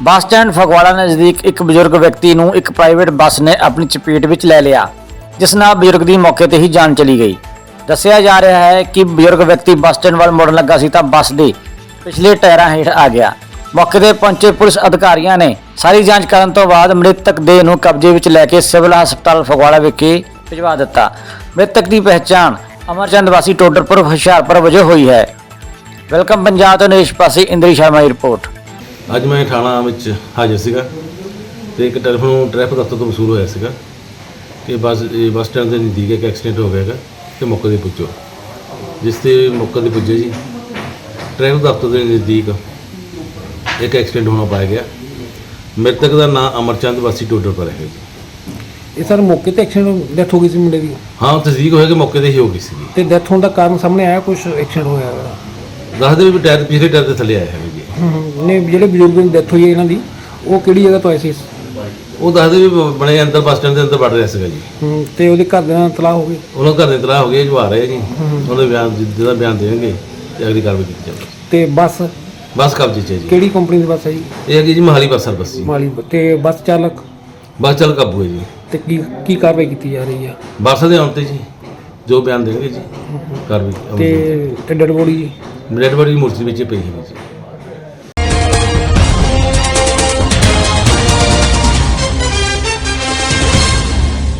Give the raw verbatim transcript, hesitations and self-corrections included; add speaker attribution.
Speaker 1: Bus stand Phagwara ਨਜ਼ਦੀਕ ਇੱਕ ਬਜ਼ੁਰਗ ਵਿਅਕਤੀ ਨੂੰ ਇੱਕ ਪ੍ਰਾਈਵੇਟ ਬੱਸ ਨੇ ਆਪਣੀ ਚਪੇਟ ਵਿੱਚ ਲੈ ਲਿਆ, ਜਿਸ ਨਾਲ ਬਜ਼ੁਰਗ ਦੀ ਮੌਕੇ ਤੇ ਹੀ ਜਾਨ ਚਲੀ ਗਈ। ਦੱਸਿਆ ਜਾ ਰਿਹਾ ਹੈ ਕਿ ਬਜ਼ੁਰਗ ਵਿਅਕਤੀ ਬੱਸ ਸਟੈਂਡ ਵੱਲ ਮੁੜਨ ਲੱਗਾ ਸੀ ਤਾਂ ਬੱਸ ਦੇ ਪਿਛਲੇ ਟਾਇਰਾਂ ਹੇਠ ਆ ਗਿਆ। ਮੌਕੇ ਤੇ ਪਹੁੰਚੇ ਪੁਲਿਸ ਅਧਿਕਾਰੀਆਂ ਨੇ ਸਾਰੀ ਜਾਂਚ ਕਰਨ ਤੋਂ ਬਾਅਦ ਮ੍ਰਿਤਕ ਦੇਹ ਨੂੰ ਕਬਜ਼ੇ ਵਿੱਚ ਲੈ ਕੇ ਸਿਵਲ ਹਸਪਤਾਲ ਫਗਵਾੜਾ ਵਿਖੇ ਭਿਜਵਾ ਦਿੱਤਾ। ਮ੍ਰਿਤਕ ਦੀ ਪਹਿਚਾਣ ਅਮਰਚੰਦ ਵਾਸੀ ਟੋਡਰਪੁਰ ਹੁਸ਼ਿਆਰਪੁਰ ਵਜੋਂ ਹੋਈ ਹੈ। ਵੈਲਕਮ ਪੰਜਾਬ ਤੋਂ ਨਰੇਸ਼ ਪਾਸੀ ਇੰਦਰੀ ਸ਼ਰਮਾ ਦੀ ਰਿਪੋਰਟ।
Speaker 2: ਅੱਜ ਮੈਂ ਥਾਣਾ ਵਿੱਚ ਹਾਜ਼ਰ ਸੀਗਾ ਤੇ ਇੱਕ ਟੈਲੀਫੋਨ ਟ੍ਰੈਫਿਕ ਦਫ਼ਤਰ ਤੋਂ ਵਸੂਲ ਹੋਇਆ ਸੀਗਾ ਕਿ ਬੱਸ ਇਹ ਬੱਸ ਸਟੈਂਡ ਦੇ ਨਜ਼ਦੀਕ ਇੱਕ ਐਕਸੀਡੈਂਟ ਹੋ ਗਿਆ ਹੈਗਾ ਤੇ ਮੌਕੇ 'ਤੇ ਪੁੱਜੋ। ਜਿਸ ਤੇ ਮੌਕੇ 'ਤੇ ਪੁੱਜੇ ਜੀ, ਟ੍ਰੈਫਿਕ ਦਫ਼ਤਰ ਦੇ ਨਜ਼ਦੀਕ ਇੱਕ ਐਕਸੀਡੈਂਟ ਹੋਣਾ ਪਾਇਆ ਗਿਆ। ਮ੍ਰਿਤਕ ਦਾ ਨਾਮ ਅਮਰਚੰਦ ਵਾਸੀ ਟੋਡਰਪੁਰ ਹੈ ਜੀ।
Speaker 3: ਇਹ ਸਰ ਮੌਕੇ ਤੇ ਐਕਸੀਡੈਂਟ ਡੈਥ ਹੋ ਗਈ ਸੀ ਮੁੰਡੇ ਦੀ?
Speaker 2: ਹਾਂ, ਤਸਦੀਕ ਹੋਇਆ ਕਿ ਮੌਕੇ 'ਤੇ ਹੀ ਹੋ ਗਈ ਸੀਗੀ।
Speaker 3: ਤੇ ਡੈਥ ਹੋਣ ਦਾ ਕਾਰਨ ਸਾਹਮਣੇ ਆਇਆ? ਕੁਝ ਐਕਸੀਡੈਂਟ ਹੋਇਆ ਹੈ?
Speaker 2: ਦੱਸਦੇ ਵੀ ਟਾਇਰ ਪਿਛਲੇ ਟਾਇਰ 'ਤੇ ਥੱਲੇ ਆਇਆ ਹੈ ਜੀ।
Speaker 3: ਹੂੰ ਨੇ ਜਿਹੜੇ ਬਜ਼ੁਰਗ ਦੀ ਡੈਥ ਹੋਈ ਹੈ ਇਹਨਾਂ ਦੀ, ਉਹ ਕਿਹੜੀ ਜਗ੍ਹਾ ਤੋਂ ਆਏ ਸੀ?
Speaker 2: ਉਹ ਦੱਸਦੇ ਵੀ ਬਣੇ ਅੰਦਰ ਬੱਸ ਸਟੈਂਡ ਦੇ ਅੰਦਰ ਵੜ ਰਿਹਾ ਸੀਗਾ ਜੀ।
Speaker 3: ਹੂੰ ਤੇ ਉਹਦੇ ਘਰ ਦੇ ਨਾਲ ਤਲਾਹ ਹੋ ਗਈ?
Speaker 2: ਉਹਨਾਂ ਘਰ ਦੇ ਤਲਾਹ ਹੋ ਗਏ, ਜੋ ਆ ਰਹੇ ਜੀ। ਉਹਦੇ ਬਿਆਨ ਜਿਹਦਾ ਬਿਆਨ ਦੇਣਗੇ ਤੇ ਅਗਲੀ ਕਾਰਵਾਈ ਕੀਤੀ ਜਾਵੇਗੀ।
Speaker 3: ਤੇ ਬੱਸ
Speaker 2: ਬੱਸ ਕਬਜ਼ੇ 'ਚ ਹੈ ਜੀ।
Speaker 3: ਕਿਹੜੀ ਕੰਪਨੀ ਦੀ ਬੱਸ ਹੈ ਜੀ?
Speaker 2: ਇਹ ਹੈਗੀ ਜੀ ਮੋਹਾਲੀ ਬੱਸ ਸਰਵਿਸ ਜੀ।
Speaker 3: ਮਾਲੀ। ਤੇ ਬੱਸ ਚਾਲਕ
Speaker 2: ਬੱਸ ਚੱਲ ਕਾਬੂ ਹੈ ਜੀ।
Speaker 3: ਤੇ ਕੀ ਕੀ ਕਾਰਵਾਈ ਕੀਤੀ ਜਾ ਰਹੀ ਹੈ?
Speaker 2: ਬੱਸ ਦੇ ਆਉਣ 'ਤੇ ਜੀ ਜੋ ਬਿਆਨ ਦੇਣਗੇ ਜੀ ਕਾਰਵਾਈ।
Speaker 3: ਤੇ ਤੇ ਡੈਡ ਬੋਡੀ ਜੀ?
Speaker 2: ਡੈਡ ਬੋਡੀ ਮੂਰਤੀ ਵਿੱਚ ਪਈ ਹੈ ਜੀ।